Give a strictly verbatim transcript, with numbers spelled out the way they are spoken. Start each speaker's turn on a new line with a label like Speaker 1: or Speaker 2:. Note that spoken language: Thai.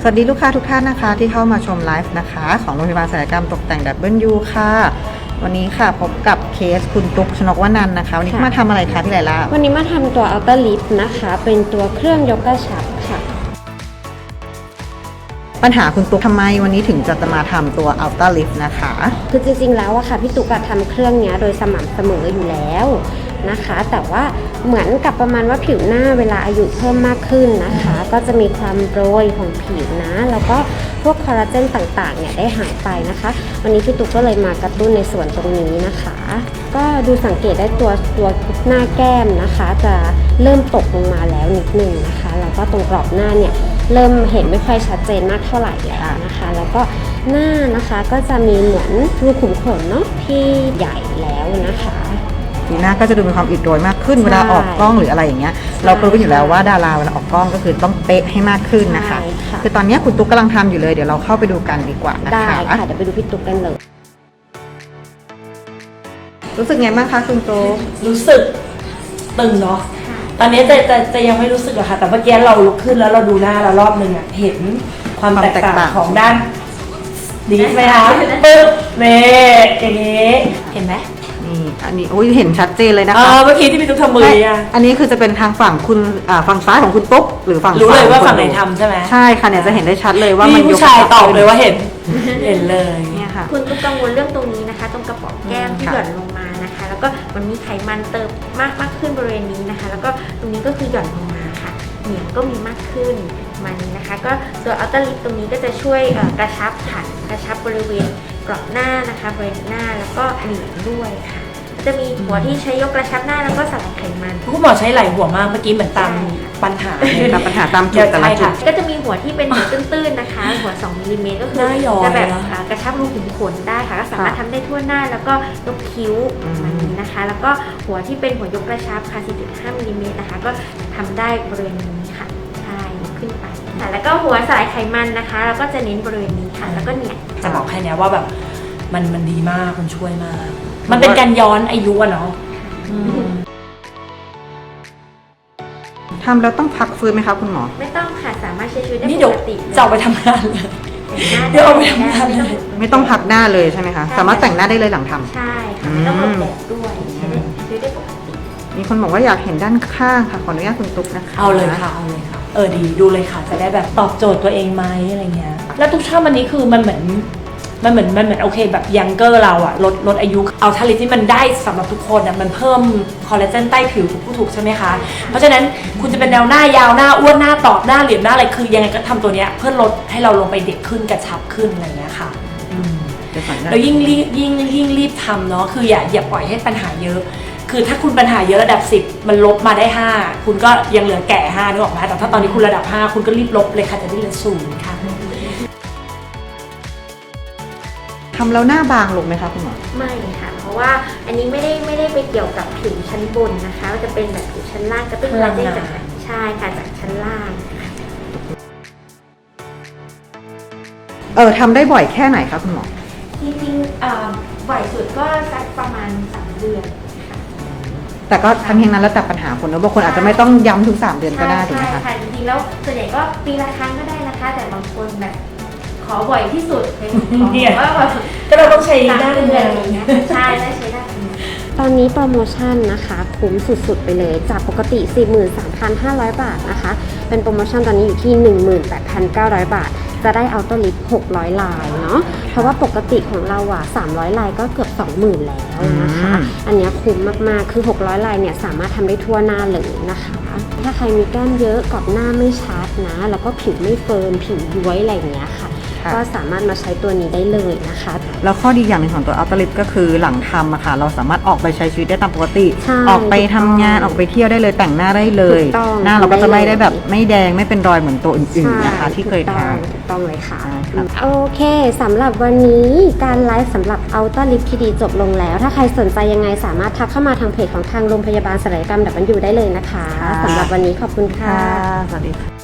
Speaker 1: วัสดีลูกค้าทุกท่านนะคะที่เข้ามาชมไลฟ์นะคะของโรงพยาบาลศัลยกรรมตกแต่ง ดับเบิลยู ค่ะวันนี้ค่ะพบกับเคสคุณตุ๊กชนกวนันท์นะคะวันนี้มาทำอะไรคะพี่ไลล่า
Speaker 2: วันนี้มาทำตัว Outer Lip นะคะเป็นตัวเครื่องยกกระชับค่ะ
Speaker 1: ปัญหาคุณตุ๊กทำไมวันนี้ถึงจะมาทำตัว Outer Lip นะคะ
Speaker 2: คือจริงๆแล้วอะค่ะพี่ตุ๊กทำเครื่องนี้โดยสม่ำเสมออยู่แล้วนะคะแต่ว่าเหมือนกับประมาณว่าผิวหน้าเวลาอายุเพิ่มมากขึ้นนะคะก็จะมีความโรยของผิวนะแล้วก็พวกคอลลาเจนต่างๆเนี่ยได้หายไปนะคะวันนี้พี่ตุ๊กก็เลยมากระตุ้นในส่วนตรงนี้นะคะก็ดูสังเกตได้ตัวตัวหน้าแก้มนะคะจะเริ่มตกลงมาแล้วนิดนึงนะคะแล้วก็ตรงกรอบหน้าเนี่ยเริ่มเห็นไม่ค่อยชัดเจนมากเท่าไหร่แล้วนะคะแล้วก็หน้านะคะก็จะมีเหมือนรูขุมขนเนาะที่ใหญ่แล้วนะคะ
Speaker 1: สีหน้าก็จะดูมีความอิดโรยมากขึ้นเวลาออกกล้องหรืออะไรอย่างเงี้ยเราก็รู้อยู่แล้วว่าดาราเวลาออกกล้องก็คือต้องเป๊ะให้มากขึ้นนะคะคือตอนนี้คุณตุ๊กกำลังทำอยู่เลยเดี๋ยวเราเข้าไปดูกันดีกว่านะคะ
Speaker 2: ได้ค่ะเดี๋ยวไปดูพี่ตุ๊กกันเลย
Speaker 1: รู้สึกไงบ้างคะคุณตุ๊ก
Speaker 3: รู้สึกตึงเนาะตอนนี้จะจะจะยังไม่รู้สึกอะค่ะแต่เมื่อกี้เราลุกขึ้นแล้วเราดูหน้าเรารอบนึงอะเห็นความแตกต่างของด้านดีไหมคะปึ๊บเน่อย่างนี้เห็นไหม
Speaker 1: นี่อันนี้โอ้ยเห็นชัดเจนเลยนะคะ
Speaker 3: เมื่อกี้ที่พี่ตุ๊กทำมืออ่ะ
Speaker 1: อันนี้คือจะเป็นทางฝั่งคุณฝั่งซ้ายของคุณตุ๊กหรือฝั่ง
Speaker 3: รู้เลยว่าฝั่งไหนทำใช่ไหม
Speaker 1: ใช่ค่ะเนี่ยจะเห็นได้ชัดเลยว่ามัน
Speaker 3: ยกผู้ชายตอบเลยว่าเห็นเห็นเลย
Speaker 4: เนี่ยค่ะคุณตุ๊กกังวลเรื่องตรงนี้นะคะตรงกระป๋องแก้มที่หย่อนลงมานะคะแล้วก็มันมีไขมันเติมมากมากขึ้นบริเวณนี้นะคะแล้วก็ตรงนี้ก็คือหย่อนลงมาค่ะเหนียงก็มีมากขึ้นมันนะคะก็ตัวอัลตร้าลิปตรงนี้ก็จะช่วยกระชับค่ะกระชับบริเวณกรอบหน้านะคะบริเวณหน้าแล้วก็เหนียงด้วยค่ะจะมีหัวที่ใช้ยกกระชับหน้าแล้วก็สลายไขมัน
Speaker 3: คุณหมอใช้หลายหัวมากเมื่อกี้เหมือนตามปัญหา
Speaker 1: ตามปัญหาตามจุดแต่ละจุด
Speaker 4: ก็จะมีหัวที่เป็นหัวตื้นๆนะคะหัวสองมิลลิเมตรก็คือจะแบบกระชับรูขุมขนได้ค่ะก็สามารถทำได้ทั่วหน้าแล้วก็ยกคิ้วแบบนี้นะคะแล้วก็หัวที่เป็นหัวยกกระชับค่ะ สี่จุดห้า มิลลิเมตรนะคะก็ทำได้บริเวณนี้ค่ะใช่ขึ้นไปค่ะแล้วก็หัวสลายไขมันนะคะแล้วก็จะเน้นบริเวณนี้ค่ะแล้วก็เนี่ย
Speaker 3: จะบอกให้นะว่าแบบมันมันดีมากมันช่วยมากมันเป็นการย้อนอายุอะเนาะ
Speaker 1: ทำแล้วต้องพักฟื้นไหมคะคุณหมอ
Speaker 4: ไม่ต้องค่ะสามารถใช้ชีวิตได้ปกติ
Speaker 3: จะเอาไปทำงานเลยเดี๋ยวเอาไปทำงานเลย
Speaker 1: ไม่ต้องพักหน้าเลยใช่ไหมคะสามารถแต่งหน้าได้เลยหลังทำ
Speaker 4: ใช่ค่ะไม่ต้องหลบแดดด้วยใช้ได้ชีวิตได้ปกติ
Speaker 1: มีคนบอกว่าอยากเห็นด้านข้างค่ะขออนุญาตคุณตุ๊กนะคะ
Speaker 3: เอาเลยค่ะเอาเลยค่ะเออดีดูเลยค่ะจะได้แบบตอบโจทย์ตัวเองไหมอะไรเงี้ยแล้วทุกชาติวันนี้คือมันเหมือนมันเหมือนมันเหมือนโอเคแบบยังเกอร์เราอะลดลดอายุเอาทาลิปที่มันได้สำหรับทุกคนอะมันเพิ่มคอลลาเจนใต้ผิวถูกผู้ถูกใช่ไหมคะเพราะฉะนั้นคุณจะเป็นแนวหน้ายาวหน้าอ้วนหน้าตอบหน้าเหลี่ยมหน้าอะไรคือยังไงก็ทำตัวเนี้ยเพื่อลดให้เราลงไปเด็กขึ้นกระชับขึ้นอะไรเงี้ยค่ะแล้วยิ่งรีบยิ่งยิ่งรีบทำเนาะคืออย่าอย่าปล่อยให้ปัญหาเยอะคือถ้าคุณปัญหาเยอะระดับสิบมันลบมาได้ห้าคุณก็ยังเหลือแก่ห้านึกออกไหมแต่ถ้าตอนนี้คุณระดับห้าคุณก็รีบลบเลยค่ะจะได้เหลือศูนย์ค่ะ
Speaker 1: ทำแล้วหน้าบางลงไหมคะคุณหมอ
Speaker 4: ไม่ค่ะเพราะว่าอันนี้ไม่ได้ไม่ได้ไปเกี่ยวกับผิวชั้นบนนะคะจะเป็นแบบผิวชั้นล่างกระตุ้นคอลลาเจนจากใช่ค่ะจากชั้นล่าง
Speaker 1: เออทำได้บ่อยแค่ไหนคะคุณหมอ
Speaker 4: จริงๆบ่อยสุดก็สักประมาณสามเดือน
Speaker 1: แต่ก็ทั้งนี้นั้นแล้วแต่ปัญหาคนนะบางคนอาจจะไม่ต้องย้ำทุกสามเดือนก็ได้ถูกไหมคะ
Speaker 4: ใช่ค่ะจริงๆแล้วส่วนใหญ่ก็ปีละครั้งก็ได้นะคะแต่บางคนแบบขอบ่อยที่สุดเลยว่าแบบ
Speaker 3: ก็เราต้องใช้ได้
Speaker 4: เดือนอะไรเงี้ยใช่ได้ใช้ได้
Speaker 2: ตอนนี้โปรโมชั่นนะคะคุ้มสุดๆไปเลยจากปกติ สี่หมื่นสามพันห้าร้อย บาทนะคะเป็นโปรโมชั่นตอนนี้อยู่ที่ หนึ่งหมื่นแปดพันเก้าร้อย บาทจะได้อัลตร้าลิปหกร้อยลายเนาะเพราะว่าปกติของเราอ่ะสามร้อยลายก็เกือบ สองหมื่น แล้วนะคะอันนี้คุ้มมากๆคือหกร้อยลายเนี่ยสามารถทำได้ทั่วหน้าเลยนะคะถ้าใครมีแก้มเยอะกรอบหน้าไม่ชัดนะแล้วก็ผิวไม่เฟิร์มผิวย้วยอะไรอย่างเงี้ยค่ะก็สามารถมาใช้ตัวนี้ได้เลยนะคะ
Speaker 1: แล้วข้อดีอย่างหนึ่งของตัวอัลตร้าลิปก็คือหลังทำอะค่ะเราสามารถออกไปใช้ชีวิตได้ตามปกติออกไปทำงานออกไปเที่ยวได้เลยแต่งหน้าได้เลยหน้าเราก็จะไม่ได้แบบไม่แดงไม่เป็นรอยเหมือนตัวอื่นๆนะคะที่เคยทำ
Speaker 2: ถูกต้องเลยค่ะโอเคสำหรับวันนี้การไลฟ์สำหรับอัลตร้าลิปที่ดีจบลงแล้วถ้าใครสนใจยังไงสามารถทักเข้ามาทางเพจของทางโรงพยาบาลศัลยกรรม ดับเบิลยู ได้เลยนะคะสำหรับวันนี้ขอบคุณค่ะ
Speaker 1: สวัสดีค่ะ